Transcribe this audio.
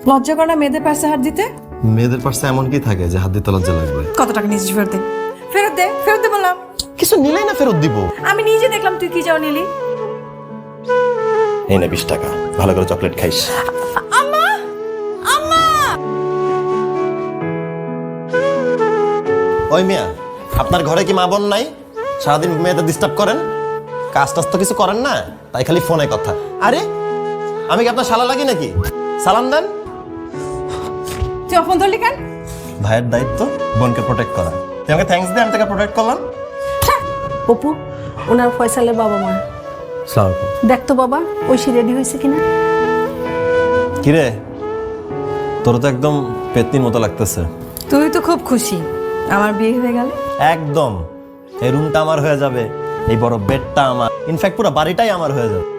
লজ্জা করে না মেয়েদের পাশে হাত দিতে? মেয়েদের পাশে এমন কি থাকে যে হাত দিতে লজ্জা লাগবে? কত টাকা নিয়েছিস? ফেরত দে, ফেরত দে, ফেরত দে বললাম। কিছু নিলেই না ফেরত দিব? আমি নিজে দেখলাম তুই কি যাও নিলি। এই নে 20 টাকা, ভালো করে চকলেট খাইস। আম্মা, আম্মা। ওই মিয়া, আপনার ঘরে কি মা বোন নাই? সারাদিন মেয়েদের ডিস্টার্ব করেন, কাজ টাজ তো কিছু করেন না, তাই খালি ফোনে কথা। আরে আমি কি আপনার শালা লাগি নাকি? সালাম দেন। তুই ফোন ধরলি কেন? ভাইয়ের দায়িত্ব বোনকে প্রোটেক্ট করা। তুই আমাকে থ্যাঙ্কস দে, আমি তাকে প্রোটেক্ট করলাম। অপু, ওনার ফয়সালের বাবা মা। সালাম আলাইকুম। দেখ তো বাবা, ঐশী রেডি হয়েছে কিনা। কিরে, তোর তো একদম পেতনির মতো লাগতেছে। তুই তো খুব খুশি আমার বিয়ে হয়ে গেল। একদম, এই রুমটা আমার হয়ে যাবে, এই বড় বেডটা আমার, ইনফ্যাক্ট পুরো বাড়িটাই আমার হয়ে যাবে।